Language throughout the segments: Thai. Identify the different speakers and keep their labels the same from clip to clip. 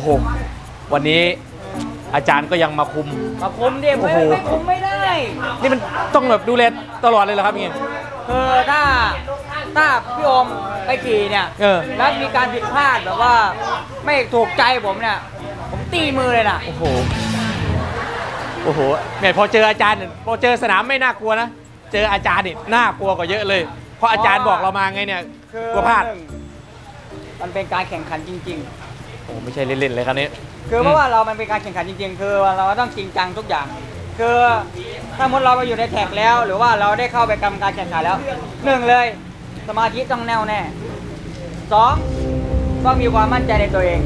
Speaker 1: หวันนี้อาจารย์ก็ยังมาคุม
Speaker 2: ดิไม่คุมไม่ได้
Speaker 1: นี่มันต้องแบบดูแลตลอดเลยเหรอครับอย่างเงี้ย
Speaker 2: คือถ้าพี่โอมไปขี่เนี่ยแล้วมีการผิดพลาดแบบว่าไม่ถูกใจผมเนี่ยผมตีมือเลยนะ
Speaker 1: โอ้โหแม่พอเจออาจารย์พอเจอสนามไม่น่ากลัวนะเจออาจารย์นี่น่ากลัวกว่าเยอะเลยเพราะอาจารย์บอกเรามาไงเนี่ยกลัวพลาด
Speaker 2: มันเป็นการแข่งขันจริง
Speaker 1: ๆโอ้ไม่ใช่เล่นๆเลยครับนี้
Speaker 2: คือเพราะว่ามันเป็นการแข่งขันจริงๆคือเราต้องจริงจังทุกอย่างคือถ้ามุดเราไปอยู่ในแท็กแล้วหรือว่าเราได้เข้าไปกรรมการแข่งขันแล้ว1เลยสมาธิต้องแน่วแน่2ต้องมีความมั่นใจในตัวเอง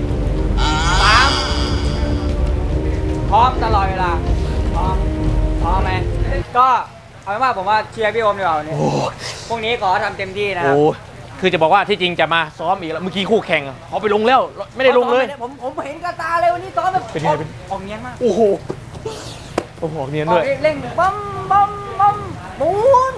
Speaker 2: 3พร้อมตลอดเวลาพร้อมไหมก็เอาเป็นว่าผมว่าเชียร์พี่โอมดีกว่าเนี่ยพวกนี้ขอทำเต็มที่นะครับ
Speaker 1: คือจะบอกว่าที่จริงจะมาซ้อมอีกแล้วเมื่อกี้คู่แข่งเขาไปลงแล้วไม่ได้ลงเลย
Speaker 2: ผมเห็นกระตาเลยวันนี้ซ้อมแบบออกเนียนมาก
Speaker 1: โอ้โหเนียนด้วย
Speaker 2: เร่งบัมบู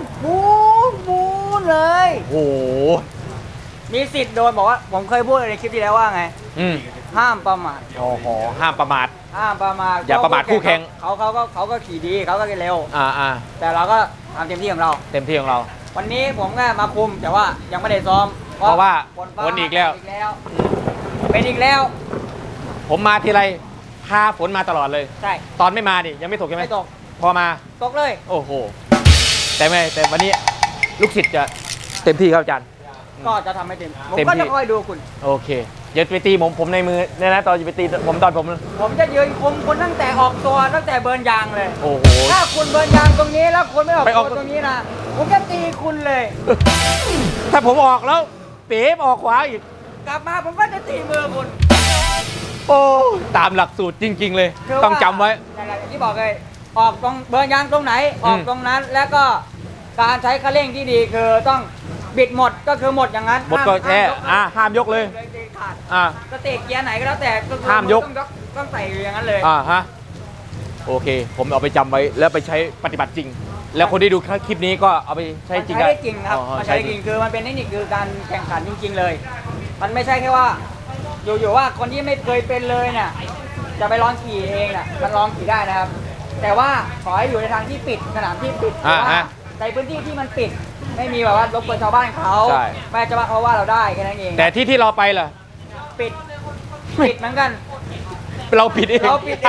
Speaker 2: นเลย
Speaker 1: โอ้โห
Speaker 2: มีสิทธิ์โดนบอกว่าผมเคยพูดในคลิปที่แล้วว่าไงห้ามประมาท
Speaker 1: ห้ามประมาทอย่าประมาทคู่แข่ง
Speaker 2: เขาก็ขี่ดีเขาก็เร็วแต่เราก็ทำเต็มที่ของเราวันนี้ผมก็มาคุมแต่ว่ายังไม่ได้ซ้อม
Speaker 1: เพราะว่าฝนอีกแล้ว
Speaker 2: เป็นอีกแล้ว
Speaker 1: ผมมาทีไรพาฝนมาตลอดเลย
Speaker 2: ใช่
Speaker 1: ตอนไม่มาดิยังไม่ตกใช่ไหม
Speaker 2: ไม่ตก
Speaker 1: พอมา
Speaker 2: ตกเลย
Speaker 1: โอ้โหแต่วันนี้ลูกศิษย์จะเต็มที่ครับอาจารย์
Speaker 2: ก็จะทำให้เต็มผมก็จะคอยดูคุณ
Speaker 1: โอเคอย่าไปตีผมในมือเนี่ยนะตอนจะไปตีผม
Speaker 2: ผมจะยืนคุมคุณตั้งแต่ออกตัวตั้งแต่เบิร์นยางเลย
Speaker 1: โอ้โห
Speaker 2: ถ้าคุณเบิร์นยางตรงนี้แล้วคุณไม่ออกตัวตรงนี้นะผมจะตีคุณเลย
Speaker 1: ถ้าผมออกแล้วเป๋ออกขวาอีก
Speaker 2: กลับมาผมก็จะตีมือคุณ
Speaker 1: โอ้ตามหลักสูตรจริงๆเลยต้องจำไว้
Speaker 2: อย่างที่บอกเลยออกตรงเบิร์นยางตรงไหนออกตรงนั้นแล้วก็การใช้คันเร่งที่ดีคือต้องบิดหมดก็คือหมดอย่างนั้น
Speaker 1: หมดก็แค่ห้ามยกเลย
Speaker 2: สเตกเกียร์ไหนก็แล้วแต่
Speaker 1: ห้ามยก
Speaker 2: ต้องใส่อย่างนั้นเลย
Speaker 1: โอเคผมเอาไปจำไว้แล้วไปใช้ปฏิบัติจริงแล้วคนที่ดูคลิปนี้ก็เอาไปใช้จริง
Speaker 2: ได้จริงครับใช้จริงคือมันเป็นเทคนิคคือการแข่งขันจริงๆเลยมันไม่ใช่แค่ว่าอยู่ว่าคนที่ไม่เคยเป็นเลยเนี่ยจะไปลองขี่เองน่ะมันลองขี่ได้นะครับแต่ว่าขอให้อยู่ในทางที่ปิดสนามที่ปิดในพื้นที่ที่มันปิดไม่มีแบบว่ารบกวนชาวบ้านเขาไม่จะว่าเขาว่าเราได้แค่นั้นเอง
Speaker 1: แต่ที่เราไปล่ะ
Speaker 2: ปิดเหมือนกัน
Speaker 1: เราปิดเอง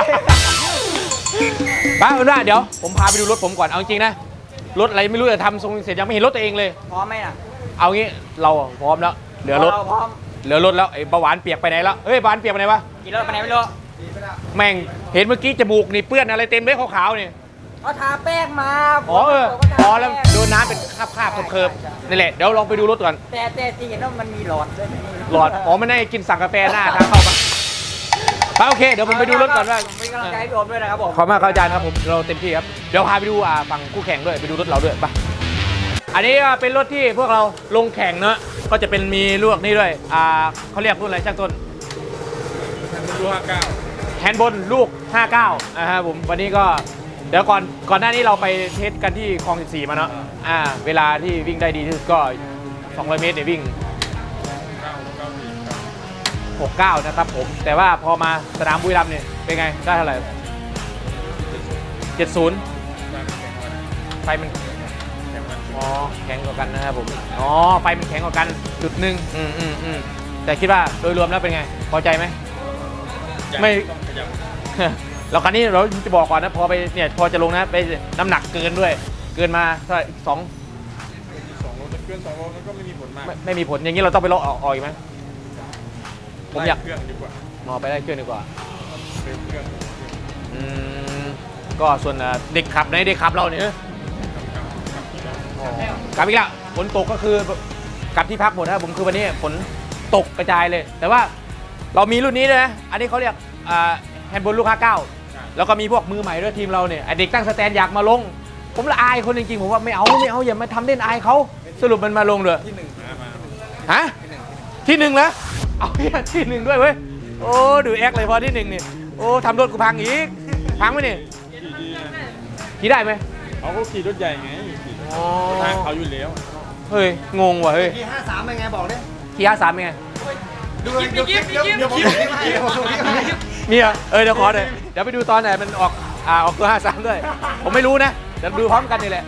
Speaker 1: ป้าเอาหน้าเดี๋ยวผมพาไปดูรถผมก่อนเอาจริงนะรถอะไรไม่รู้แต่ทำทรงเสร็จยังไม่เห็นรถตัวเองเลย
Speaker 2: พร้อมไหมน่ะ
Speaker 1: เอางี้เราพร้อมแล้วเหลือรถแล้วไอ้เบาหวานเปียกไปไหนแล้วเฮ้ยเบาหวานเปียกไปไหนวะ
Speaker 2: กี่รถไปไหนไม่รู้
Speaker 1: แม่งเห็นเมื่อกี้จมูกนี่เปื้อนอะไรเต็มเลยขาวๆนี่
Speaker 2: เขาทาแป้งมา
Speaker 1: แล้วโดนน้ำเป็นคราบเคิร์ฟนี่แหละเดี๋ยวลองไปดูรถก่อน
Speaker 2: แต่ที่เห็นว่ามันมีหลอดด้วย
Speaker 1: หลอดไม่ได้กินสั่งกาแฟหน้าทางเข้ามาโอเคเดี๋ยวผมไปดูรถก่อนว่า
Speaker 2: มีกำลังใจพี่โอมด้วยนะครับผม
Speaker 1: ขอบคุณมากอาจารย์ครับผมเราเต็มที่ครับเดี๋ยวพาไปดูฝั่งคู่แข่งด้วยไปดูรถเราด้วยไปอันนี้เป็นรถที่พวกเราลงแข่งเนอะก็จะเป็นมีลูกนี่ด้วยเขาเรียกรุ่นอะไรช่างต้น
Speaker 3: ลูก
Speaker 1: 59แฮนด์บนลูก59นะครับผมวันนี้ก็เดี๋ยวก่อนหน้านี้เราไปเทสกันที่คลอง14มาเนาะเวลาที่วิ่งได้ดีที่สุดก็200 เมตรเนี่ยวิ่ง69นะครับผมแต่ว่าพอมาสนามบุรีรัมย์เนี่ยเป็นไงได้เท่าไหร่70ไฟมันแข็งกว่ากันนะครับผมไฟมันแข็งกว่ากันจุดหนึ่งแต่คิดว่าโดยรวมแล้วเป็นไงพอใจไหมไม่เราคันนี้เราจะบอกก่อนนะพอไปเนี่ยพอจะลงนะไปน้ำหนักเกินด้วยเกินมาเท่าไหร่2
Speaker 3: โลเกิน2 โลนั้นก็ไม่มีผลมาก
Speaker 1: ไม่มีผลอย่างนี้เราต้องไปลดออกอีกไหมผมอยาก
Speaker 3: เครื่องดีกว่า
Speaker 1: ไปได้เครื่องดีกว่า
Speaker 3: เครื่อง
Speaker 1: ก็ส่วนเด็กขับเด็กขับเราเนี่ยกลับอีกแล้วฝนตกก็คือกลับที่พักหมดนะผมคือวันนี้ฝนตกกระจายเลยแต่ว่าเรามีรุ่นนี้ด้วยนะอันนี้เขาเรียกแฮนด์บอลลูก59แล้วก็มีพวกมือใหม่ด้วยทีมเราเนี่ยเด็กตั้งสแตนอยากมาลงผมละอายคนจริงๆผมว่าไม่เอาอย่ามาทำเล่นอายเขาสรุปมันมาลงเลย
Speaker 3: ที่1
Speaker 1: ฮะที่1แล้วเอาที่1ด้วยเว้ยโอ้ดูแอคเลยพอที่1นี่โอ้ทำรถกูพังอีกพังไหมนี่ขี่ได้ไหม
Speaker 3: เขาขี่รถใหญ่ไงทางเขาอยู่แล้ว
Speaker 1: เฮ้ยงงว่ะเฮ้ย
Speaker 2: ขี่53เป็นไงบอกดิ
Speaker 1: ขี่53เป็นไง
Speaker 3: ดูคลิปเดี๋ยวผมส่งคลิปให้เดี๋ยวผมส่งคลิปให้
Speaker 1: มีเหรอเดี๋ยวขอหน่อยเดี๋ยวไปดูตอนไหนมันออกตัว53ด้วยผมไม่รู้นะเดี๋ยวดูพร้อมกันนี่แหละ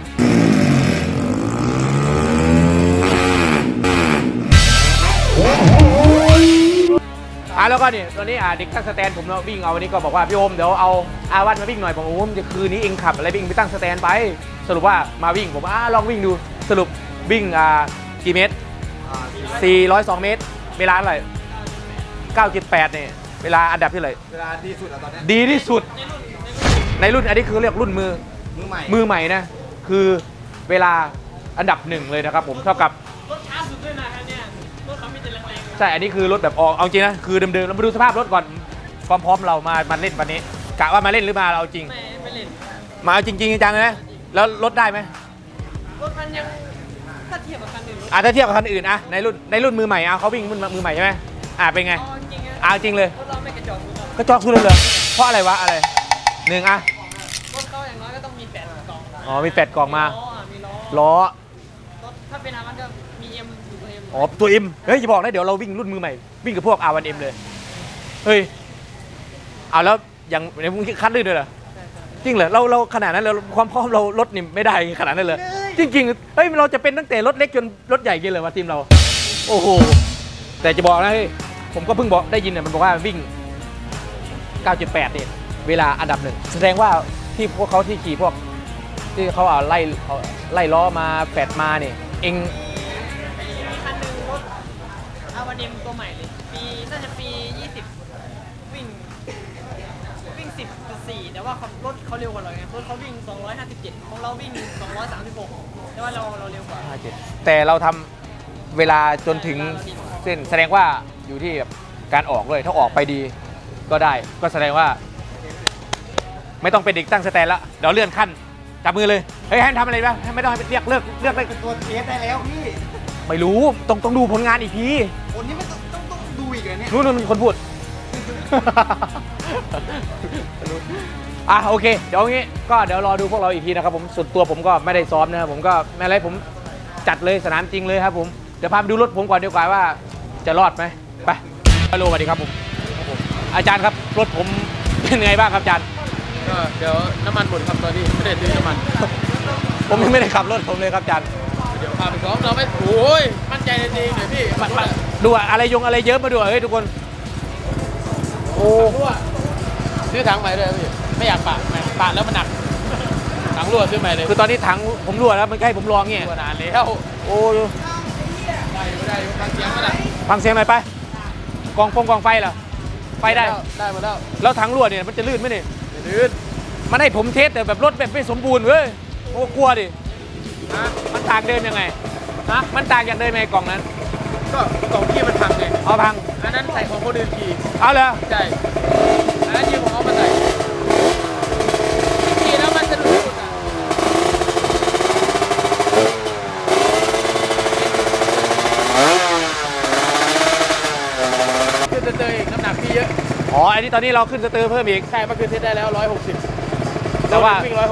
Speaker 1: แล้วก็นี่ตัวนี้เด็กตั้งสแตนผมวิ่งเอาวันนี้ก็บอกว่าพี่โอมเดี๋ยวเอาอาวันมาวิ่งหน่อยผมโอ้มจะคืนนี้เองขับอะไรวิ่งไปตั้งสแตนไปสรุปว่ามาวิ่งผมลองวิ่งดูสรุปวิ่งกี่เมตร402 เมตรเวลาเท่าไหร่9.8เนี่ยเวลาอันดับที่เท่าไหร่
Speaker 3: เวลาดีสุดอะตอนนี้
Speaker 1: ดีที่สุดในรุ่นอันนี้คือเรียกรุ่นมือใหม่นะคือเวลาอันดับ1เลยนะครับผมเท่ากับรถช้าสุดด้วยนะเนี่ยรถเขาไม่จะแรงๆใช่อันนี้คือรถแบบออกเอาจริงนะคือเดิมๆเรามาดูสภาพรถก่อนความพร้อมเรามาเล่นวันนี้กะว่ามาเล่นหรือมาเอาจริงไม่เล่นมาเอาจริงๆจังๆเลยนะแล้วรถได้ไหมรถมันยังถ้าเทียบกับคันอื่นถ้าเทียบกับคันอื่นในรุ่นมือใหม่เขาวิ่งมือใหม่ใช่ไหมเป็นไงเอาจริงเลยรถเราไม่กระจอกสุดเลยเหรอเพราะอะไรวะอะไร1รถเขาอย่างน้อยก็ต้องมี8 กล่องมี8 กล่องมาล้อถ้าเป็นอามันก็มีเอ็มอยู่ตัวเอ็มตัวเอ็มเฮ้ยอย่าบอกนะเดี๋ยวเราวิ่งรุ่นมือใหม่วิ่งกับพวก R1M เลยเฮ้ยเอาแล้วอย่างในพวกคัดลื่นด้วยเหรอจริงเหรอเราขนาดนั้นเราความพร้อมเรารถนี่ไม่ได้ขนาดนั้นเลยจริงๆเฮ้ยเราจะเป็นตั้งแต่รถเล็กจนรถใหญ่กันเลยว่าทีมเราโอ้โหแต่จะบอกนะเฮ้ยผมก็เพิ่งบอกได้ยินเนี่ยมันบอกว่าวิ่ง 9.8 เนี่ยเวลาอันดับ1แสดงว่าที่พวกเขาที่ขี่พวกที่เขาไล่ล้อมา8มาเนี่ยเอง
Speaker 4: คันหนึ่งรถอาวาเดมตัวใหม่เลยน่าจะปี 20 วิ่ง 10.4 แต่ว่ารถเขาเร็วกว่าเราไงรถเขาวิ่ง 257 ของเราวิ่ง 236 แต่ว่าเราเร็วกว่า
Speaker 1: แต่เราทำเวลาจนถึงเส้นแสดงว่าอยู่ที่แบบการออกด้วยถ้าออกไปดีก็ได้ก็แสดงว่าไม่ต้องเป็นเด็กตั้งสแตนแล้วเดี๋ยวเลื่อนขั้นจับมือเลยเฮ้ยให้ทำอะไรบ้างไม่ต้องให้เรียกเลิกได้
Speaker 3: ตัวเทสได้แล้วพี่
Speaker 1: ไม่รู้ต้องดูผลงานอีกที
Speaker 3: คนนี้ไม่ต้องดูอีกเลยเนี่ย
Speaker 1: นู่นมีคนพูด โอเคเดี๋ยวงี้ก็เดี๋ยวรอดูพวกเราอีกทีนะครับผมส่วนตัวผมก็ไม่ได้ซ้อมนะครับผมก็ไม่อะไรผมจัดเลยสนามจริงเลยครับผมเดี๋ยวพาไปดูรถผมก่อนดีกว่าว่าจะรอดไหมไปฮัลโหลสวัสดีครับผมอาจารย์ครับรถผมเป็นไงบ้างครับอาจารย์
Speaker 5: ก็เดี๋ยวน้ำมันหมดครับตอนนี้ไม่ได้ซื้อน้ำมัน
Speaker 1: ผมยังไม่ได้ขับรถผมเลยครับอาจารย์
Speaker 5: เดี๋ยวพาไปซ้อมเราไม่โอ้ยมั่นใจในตัวเองหน่อยพี่
Speaker 1: ดูอะไรอะไรเยอะมาดูเฮ้ยทุกคนโอ้
Speaker 5: รั่วซื้อถังใหม่เลยพี่ไม่อยากปะแล้วมันหนักถังรั่วซื้อใหม่เลย
Speaker 1: คือตอนนี้ถังผมรั่วแล้วมันใกล้ผมลองเงี้ย
Speaker 5: รั่วนานแล้ว
Speaker 1: โอ้
Speaker 5: ได้ฟังเสียงมาแล้ว
Speaker 1: ฟังเสียงหน่อยไปกองไฟเหรอไฟได้
Speaker 5: ได้มาแล้ว
Speaker 1: แล้วถังรั่วเนี่ยมันจะลื่นไหมเนี่ย
Speaker 5: ลื่น
Speaker 1: มันให้ผมเทสแต่แบบรถแบบไม่สมบูรณ์เว้ยโอ้กลัวดิมันต่างเดิมยังไงมันต่างจากเดิมไหมกล่องนั้น
Speaker 5: ก็กล่องที่มันพังไง
Speaker 1: เอาพัง
Speaker 5: อันนั้นใส่ของคนอื่นขี่
Speaker 1: เอาเลย
Speaker 5: ใช่อันนั้นยืมของเขามาใส่ขี่แล้วมันจะรู้สึกอ่ะขึ้นเตยอีกน้ำหนักพี่เยอะ
Speaker 1: อันนี้ตอนนี้เราขึ้นสเตอร์เพิ่มอีก
Speaker 5: ใช่เมื่อคืนเทสได้แล้ว160
Speaker 1: แต่ว่า
Speaker 5: วิ่ง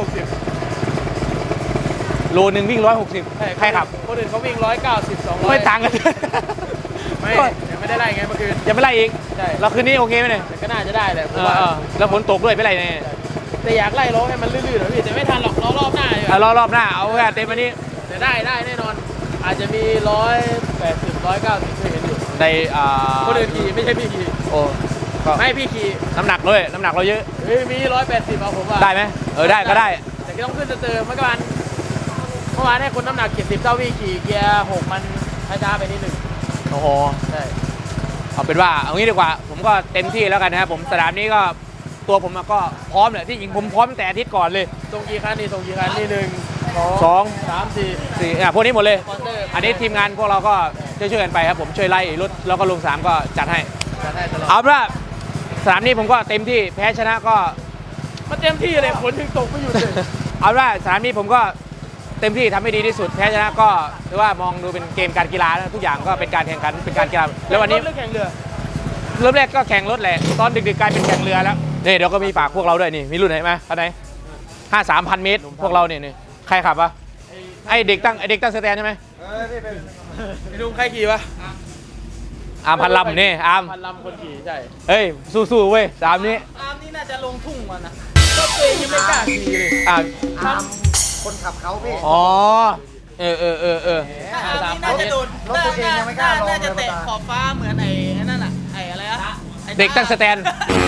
Speaker 5: 160
Speaker 1: โลนึงวิ่ง160ใครขับ
Speaker 5: คนอื่นเขาวิ่ง190 200
Speaker 1: ไม่ต่างกัน
Speaker 5: ไม่ยังไม่ได้ไล่ไงเมื่อคืน
Speaker 1: ยังไม่ไล่อีก
Speaker 5: ใช่
Speaker 1: เราคืนนี้โอเคไหมเนี่ย
Speaker 5: แต่ก็น่าจะได้แหละผมว่า
Speaker 1: แล้วฝนตกด้วยไม่ไรเนี่ย
Speaker 5: แต่อยากไล่ล้อให้มันลื่นๆหน่อยพี่แต่ไม่ทันหรอกล้อรอบหน้าอยู่
Speaker 1: รอบหน้าเอาแค่เต็มวันนี้
Speaker 5: แต่ได้แน่นอน อาจจะมี180 190เคยเห็นอยู่
Speaker 1: ใน
Speaker 5: คนอื่นขี่ไม่ใช่พี่ขี่
Speaker 1: โอ้ก็
Speaker 5: ไม่พี่ขี่
Speaker 1: น้ำหนักด้วยน้ำหนักเราเยอะ
Speaker 5: เฮ้ยมี180เอาผมว่า
Speaker 1: ได้ไหมได้ก็ได้
Speaker 5: แต่ก็ต้องขึ้นเติมเมื่อวานให้คนน้ำหนัก70เท่าพี่ขี่เกียร์6มันช้าๆไปนิดนึง
Speaker 1: โอ้โห
Speaker 5: ใช่
Speaker 1: เอาเป็นว่าเอางี้ดีกว่าผมก็เต็มที่แล้วกันนะครับผมสนามนี้ก็ตัวผมก็พร้อมเลยที่จริงผมพร้อมตั้งแต่อาทิตย์ก่อนเลย
Speaker 5: ส่งกี่คันนี่1
Speaker 1: สอง
Speaker 5: 2 3 4
Speaker 1: พวกนี้หมดเลย
Speaker 5: สปอนเซอร์
Speaker 1: อันนี้ทีมงานพวกเราก็ช่วยๆกันไปครับผมช่วยไล่รถแล้วก็ลงสนามก็จัดให้
Speaker 5: จะได้ตลอด
Speaker 1: เอาเป็นว่าสนามนี้ผมก็เต็มที่แพ้ชนะก็
Speaker 5: มันเต็มที่เลยฝนถึงตกไม่หยุดเลย
Speaker 1: เอาเป็นว่าสนามนี้ผมก็เต็มที่ทำให้ดีที่สุดแพ้ชนะก็ถือว่ามองดูเป็นเกมการกีฬานะทุกอย่างก็เป็นการแข่งขันเป็นการกีฬาแล้ววันนี้
Speaker 5: เรื่องแข่งเรือ
Speaker 1: เริ่มแรกก็แข่งรถแหละตอนดึกๆกลายเป็นแข่งเรือแล้วนี่เดี๋ยวก็มีฝากพวกเราด้วยนี่มีรุ่นไหนไหมอันไหน53,000 เมตรพวกเราเนี่ยนี่ใครขับวะไอเด็กตั้งสแตนใช่ไหม
Speaker 3: พี่เป็น
Speaker 5: ไอ้ลุงใครขี่วะ
Speaker 1: อาร์มพันลำนี่อาร์ม
Speaker 5: พันลำคนขี่ใช่
Speaker 1: เฮ้ยสู้ๆเว้ย3นี้
Speaker 4: อาร์มนี่น่าจะลงทุ่งมานะ
Speaker 5: ก็ตัวเองยังไม่กล้าขี่เลย
Speaker 1: อ่า
Speaker 2: คนขับเขาพี่
Speaker 1: อ๋อเออ
Speaker 4: ถ้าอาร์มนี่น่าจะโดด
Speaker 2: รถตัวเองยังไม่กล้าลงเลย
Speaker 4: น่าจะเตะขอบฟ้าเหมือนไอ้นั่นน่ะไอ้อะไรอะไอ้
Speaker 1: เด็กตั้งสแตน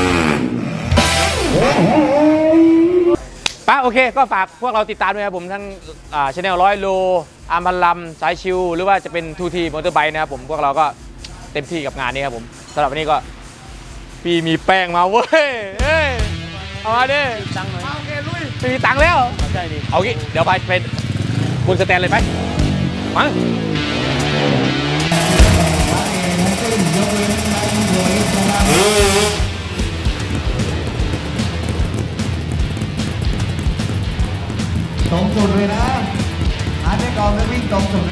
Speaker 1: ป้าโอเคก็ฝากพวกเราติดตามด้วยครับผมทั้งชาแนล100 โลอาร์มพันลำสายชิวหรือว่าจะเป็นทูทีมอเตอร์ไบค์นะครับผมพวกเราก็เต็มที่กับงานนี้ครับผมสำหรับวันนี้ก็พี่มีแป้งมาเว้ยเอ้ยเอามาดิ
Speaker 5: ตังค์หน่อย
Speaker 1: ไม่มีตังค์แล้ว
Speaker 5: ใช่ดิ
Speaker 1: เอางี้เดี๋ยวไปบนสแตนเลยไหมมา
Speaker 6: ตรงสุดเลยนะหาได้ก่อนแล้ววิ่งตรงสุด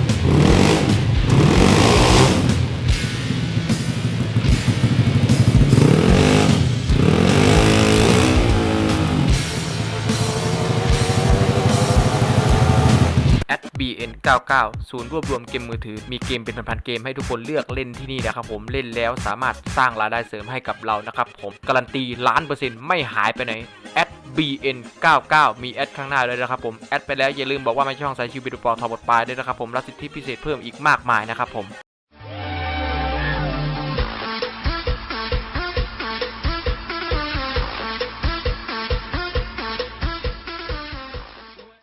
Speaker 1: @bn99 ศูนย์รวบรวมเกมมือถือมีเกมเป็นพันๆเกมให้ทุกคนเลือกเล่นที่นี่นะครับผมเล่นแล้วสามารถสร้างรายได้เสริมให้กับเรานะครับผมการันตี1,000,000%ไม่หายไปไหน @bn99 มีแอดข้างหน้าเลยนะครับผมแอดไปแล้วอย่าลืมบอกว่าไม่ช่องสายชิวบิดูปอทอบทปลายด้วยนะครับผมรับสิทธิพิเศษเพิ่มอีกมากมายนะครับผม